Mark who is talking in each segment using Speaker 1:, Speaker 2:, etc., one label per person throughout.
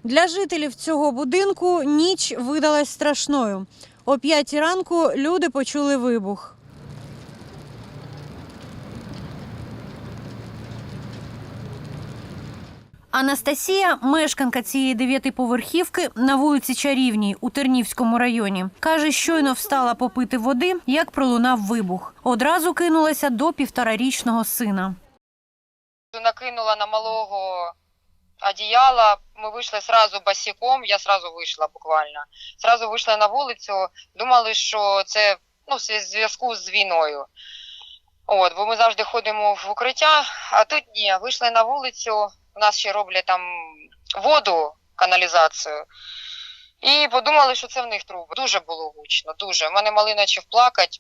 Speaker 1: Для жителів цього будинку ніч видалась страшною. О 5 ранку люди почули вибух. Анастасія, мешканка цієї 9-поверхівки на вулиці Чарівній у Тернівському районі. Каже, щойно встала попити води, як пролунав вибух. Одразу кинулася до 1,5-річного сина.
Speaker 2: Накинула на малого одіяла, ми вийшли одразу босиком, я одразу вийшла буквально. Одразу вийшла на вулицю, думали, що це в зв'язку з війною. Бо ми завжди ходимо в укриття, а тут ні, вийшли на вулицю. У нас ще роблять там воду, каналізацію. І подумали, що це в них труби. Дуже було гучно, дуже. У мене малий почав плакати.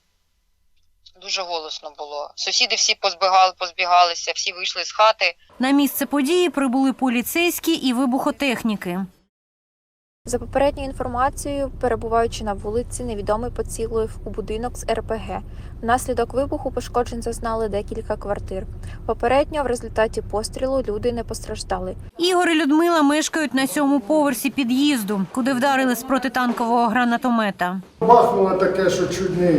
Speaker 2: Дуже голосно було. Сусіди всі позбігалися, всі вийшли з хати.
Speaker 1: На місце події прибули поліцейські і вибухотехніки.
Speaker 3: За попередньою інформацією, перебуваючи на вулиці, невідомий поцілив у будинок з РПГ. Внаслідок вибуху пошкоджень зазнали декілька квартир. Попередньо в результаті пострілу люди не постраждали.
Speaker 1: Ігор і Людмила мешкають на 7-му поверсі під'їзду, куди вдарили з протитанкового гранатомета.
Speaker 4: Бахнуло таке, що чуть не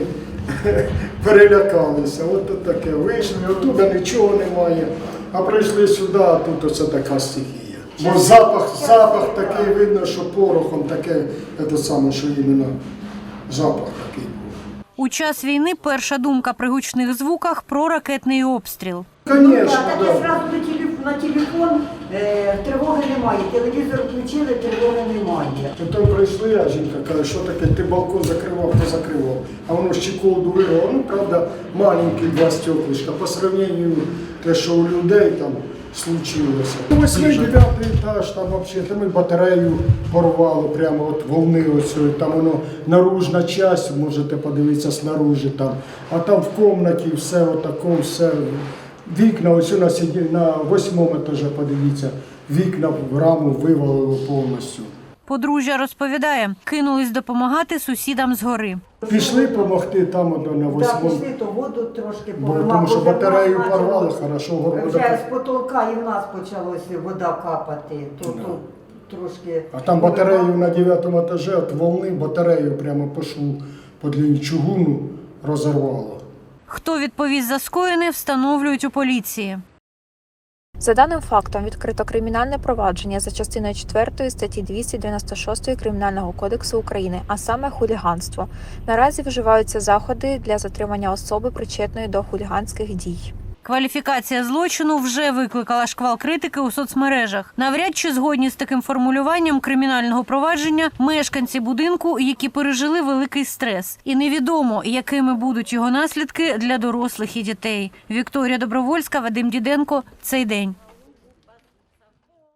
Speaker 4: перелякалися. От таке. Вийшли, оттуда нічого немає. А прийшли сюди, а тут оце така стихія. Бо запах такий видно, що порохом таке, це саме, що іменно запах такий.
Speaker 1: У час війни перша думка при гучних звуках про ракетний обстріл.
Speaker 4: Звісно,
Speaker 5: так. Я одразу на телефон, тривоги немає, телевізор включили, тривоги немає.
Speaker 4: Потім прийшли, а жінка каже, що таке, ти балкон закривав, то закривав. А воно щеколду вирвало, правда, маленькі 2 стеклишка, по сравненню те, що у людей там случилося. 8-9 етаж, там взагалі, там і батарею порвало, прямо от волни оцю, там воно наружна частина, можете подивитися снаружи там, а там в кімнаті все отако, все. Вікна, ось на 8-му етажі, подивіться, вікна в раму вивалило повністю.
Speaker 1: Подружжя розповідає, кинулись допомагати сусідам згори.
Speaker 4: Пішли допомогти там на 8-му.
Speaker 5: Так, пішли, то воду трошки поламали.
Speaker 4: Тому що батарею порвали, хорошо.
Speaker 5: Вже з потолка і в нас почалося вода капати, то трошки...
Speaker 4: А там батарею на 9-му етажі, от волни батарею прямо по шву, по длині чугуну розірвало.
Speaker 1: Хто відповість за скоєне, встановлюють у поліції.
Speaker 3: За даним фактом відкрито кримінальне провадження за частиною 4 статті 296 Кримінального кодексу України, а саме хуліганство. Наразі вживаються заходи для затримання особи, причетної до хуліганських дій.
Speaker 1: Кваліфікація злочину вже викликала шквал критики у соцмережах. Навряд чи згодні з таким формулюванням кримінального провадження мешканці будинку, які пережили великий стрес. І невідомо, якими будуть його наслідки для дорослих і дітей. Вікторія Добровольська, Вадим Діденко. Цей день.